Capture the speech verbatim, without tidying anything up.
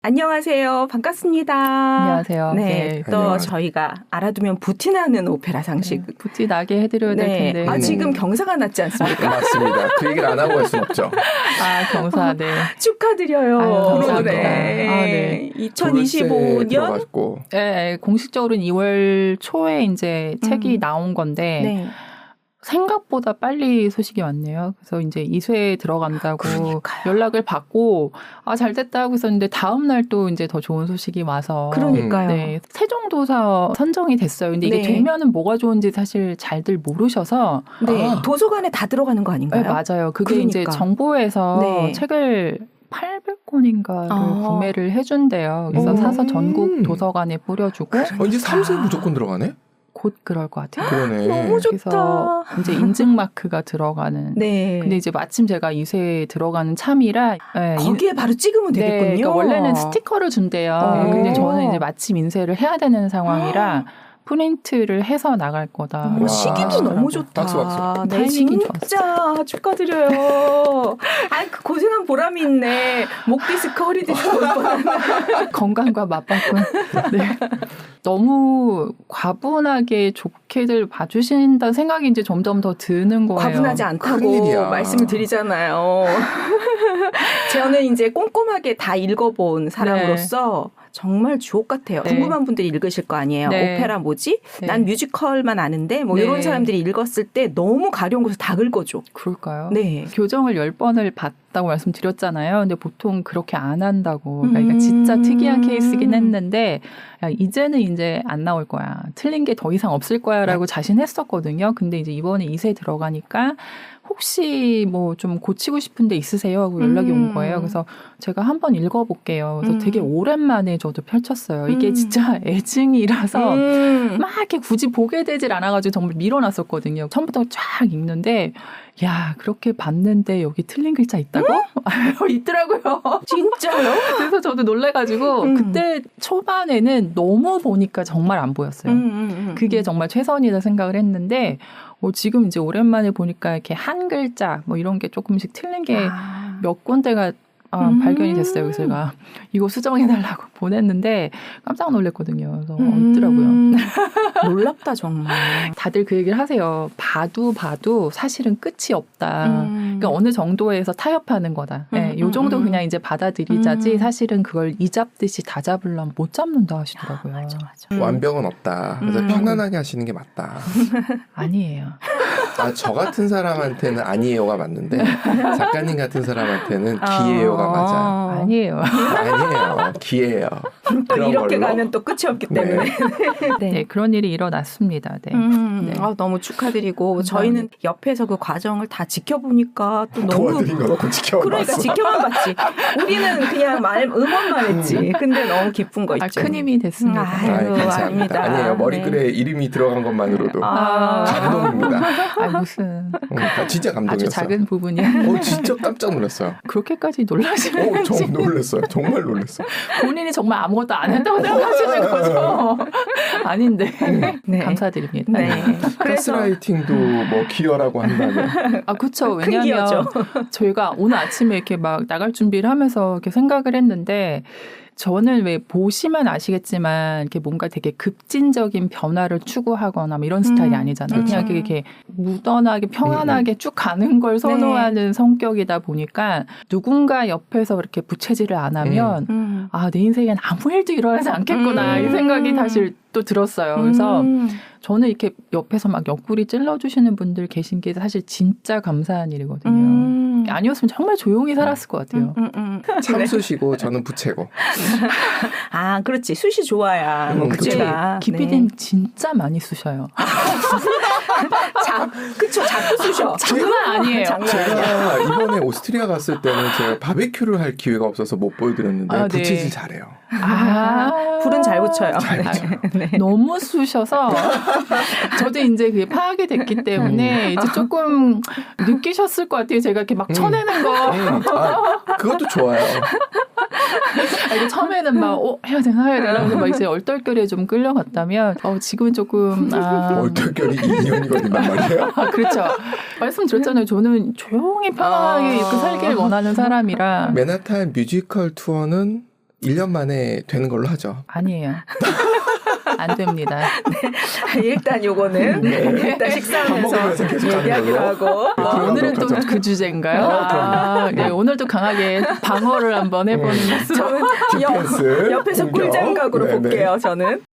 안녕하세요. 반갑습니다. 안녕하세요. 네, 네. 또 안녕하세요. 저희가 알아두면 부티나는 오페라 상식. 네, 부티 나게 해드려야 될 네. 텐데. 아, 지금 경사가 났지 않습니까? 맞습니다. 그 얘기를 안 하고 할 수는 없죠. 아, 경사, 네. 축하드려요. 아유, 감사합니다. 네. 아, 네. 이천이십오 년 들어갔고. 네, 공식적으로는 이월 초에 이제 음. 책이 나온 건데, 네. 생각보다 빨리 소식이 왔네요. 그래서 이제 이수에 들어간다고 그러니까요. 연락을 받고, 아, 잘 됐다 하고 있었는데, 다음날 또 이제 더 좋은 소식이 와서. 그러니까요. 네, 세종도서 선정이 됐어요. 근데 이게 네. 되면은 뭐가 좋은지 사실 잘들 모르셔서. 네. 아. 도서관에 다 들어가는 거 아닌가요? 네, 맞아요. 그게 그러니까. 이제 정부에서 네. 책을 팔백 권인가를 아. 구매를 해준대요. 그래서 음. 사서 전국 도서관에 뿌려주고 어, 이제 삼 세 아. 무조건 들어가네? 곧 그럴 것 같아요. 그러네. 너무 좋다. 그래서 이제 인증 마크가 들어가는. 네. 근데 이제 마침 제가 이세에 들어가는 참이라 네, 거기에 바로 찍으면 네, 되겠군요. 그러니까 원래는 스티커를 준대요. 어. 근데 저는 이제 마침 인쇄를 해야 되는 상황이라 프린트를 해서 나갈 거다. 어머, 와. 시기도 너무 좋다. 박수, 박수. 네, 타이밍이 진짜 축하드려요. 아, 그 고생한 보람이 있네. 목 디스크, 허리 디스크 올 뻔한. 건강과 맞바꾼. 네. 너무 과분하게 좋게들 봐주신다는 생각이 이제 점점 더 드는 거예요. 과분하지 않다고 큰일이야. 말씀을 드리잖아요. 저는 이제 꼼꼼하게 다 읽어본 사람으로서 정말 주옥 같아요. 네. 궁금한 분들이 읽으실 거 아니에요. 네. 오페라 뭐지? 네. 난 뮤지컬만 아는데 뭐 네. 이런 사람들이 읽었을 때 너무 가려운 것을 다 긁어줘. 그럴까요? 네. 교정을 열 번을 봤다고 말씀드렸잖아요. 근데 보통 그렇게 안 한다고. 그러니까 음. 진짜 특이한 케이스긴 했는데 야, 이제는 이제 안 나올 거야. 틀린 게 더 이상 없을 거야 라고 자신했었거든요. 근데 이제 이번에 이세 들어가니까 혹시 뭐 좀 고치고 싶은 데 있으세요? 하고 연락이 음. 온 거예요. 그래서 제가 한번 읽어볼게요. 그래서 음. 되게 오랜만에 저도 펼쳤어요. 이게 음. 진짜 애증이라서 음. 막 이렇게 굳이 보게 되질 않아가지고 정말 밀어놨었거든요. 처음부터 쫙 읽는데 야 그렇게 봤는데 여기 틀린 글자 있다고? 있더라고요. 진짜요? 그래서 저도 놀래가지고 음. 그때 초반에는 너무 보니까 정말 안 보였어요. 음, 음, 음. 그게 정말 최선이다 생각을 했는데 어, 지금 이제 오랜만에 보니까 이렇게 한 글자 뭐 이런 게 조금씩 틀린 게 몇 아. 군데가 아, 음. 발견이 됐어요. 그래서 제가 이거 수정해달라고 보냈는데 깜짝 놀랐거든요. 그래서 어, 음. 있더라고요. 놀랍다 정말. 다들 그 얘기를 하세요. 봐도 봐도 사실은 끝이 없다. 음. 그러니까 어느 정도에서 타협하는 거다. 음, 네, 요 정도 음, 음. 그냥 이제 받아들이자지 음. 사실은 그걸 이 잡듯이 다 잡으려면 못 잡는다 하시더라고요. 맞아, 맞아. 완벽은 없다. 그래서 음. 편안하게 하시는 게 맞다. 아니에요. 아, 저 같은 사람한테는 아니에요가 맞는데 작가님 같은 사람한테는 기예요가 맞아. 어. 아니에요. 아니에요. 기예요. 또 그런 이렇게 걸로. 가면 또 끝이 없기 네. 때문에. 네, 그런 일이 일어났습니다. 네. 음, 네. 아, 너무 축하드리고 감사합니다. 저희는 옆에서 그 과정을 다 지켜보니까 또 너무 도와드린 거 놓고 지켜봤어. 그러니까 지켜만 봤지. 우리는 그냥 말 응원만 했지. 근데 너무 기쁜 거 아, 있죠. 큰 힘이 됐습니다. 아유, 아이, 감사합니다. 아닙니다. 아니에요. 머리글에 네. 이름이 들어간 것만으로도 아. 감동입니다. 아, 무슨 음, 아, 진짜 감동이었어요. 아주 작은 부분이야. 어, 진짜 깜짝 놀랐어요. 그렇게까지 놀라시는 어, 정 놀랐어요. 정말 놀랐어요. 본인이 정말 아무것도 안 했다고 생각하시는 거죠. 아닌데 네. 감사드립니다. 네. 그래서 가스라이팅도 뭐 기여라고 한다면 아 그렇죠. 큰 왜냐하면 기여죠. 저희가 오늘 아침에 이렇게 막 나갈 준비를 하면서 이렇게 생각을 했는데 저는 왜 보시면 아시겠지만 이렇게 뭔가 되게 급진적인 변화를 추구하거나 뭐 이런 스타일이 음, 아니잖아요. 음. 그냥 이렇게 무던하게 평안하게 쭉 가는 걸 선호하는 성격이다 보니까 누군가 옆에서 그렇게 부채질을 안 하면 음. 아, 내 인생엔 아무 일도 일어나지 않겠구나 음. 이 생각이 사실 또 들었어요. 그래서 음. 저는 이렇게 옆에서 막 옆구리 찔러주시는 분들 계신 게 사실 진짜 감사한 일이거든요. 음. 아니었으면 정말 조용히 살았을 것 같아요. 음, 음, 음. 참수시고 저는 부채고. 아, 그렇지. 숱이 좋아야. 뭐 음, 그치. 그치. 기피디님 진짜 많이 쑤셔요. 자, 그쵸. 자꾸 쑤셔. 장난 아니에요. 장난 아니야. 제가 이번에 오스트리아 갔을 때는 제가 바베큐를 할 기회가 없어서 못 보여드렸는데 아, 네. 부채질 잘해요. 아, 불은 잘 붙여요. 잘 붙여요. 네. 너무 쑤셔서 저도 이제 그게 파악이 됐기 때문에 이제 조금 느끼셨을 것 같아요. 제가 이렇게 막 음. 쳐내는 거. 음, 아, 그것도 좋아요. 아, 이게 처음에는 막 어, 해야 되나 해야 되나 근데 막 이제 얼떨결에 좀 끌려갔다면 어, 지금은 조금 아, 얼떨결이 이 년이거든요 말이에요. 아, 그렇죠. 말씀드렸잖아요. 저는 조용히 편안하게 아. 이렇게 살기를 원하는 사람이라. 맨하탄 뮤지컬 투어는 일 년 만에 되는 걸로 하죠. 아니에요. 안 됩니다. 일단 요거는 네. 일단 밥 식사하면서 먹으면서 계속 가는 얘기하기로 걸로. 하고 아, 오늘은 또 가죠. 그 주제인가요? 어, 아, 네, 오늘도 강하게 방어를 한번 해보는 네. 모습. 저는 디펜스, 옆, 옆에서 공격. 꿀장각으로 네, 네. 볼게요. 저는.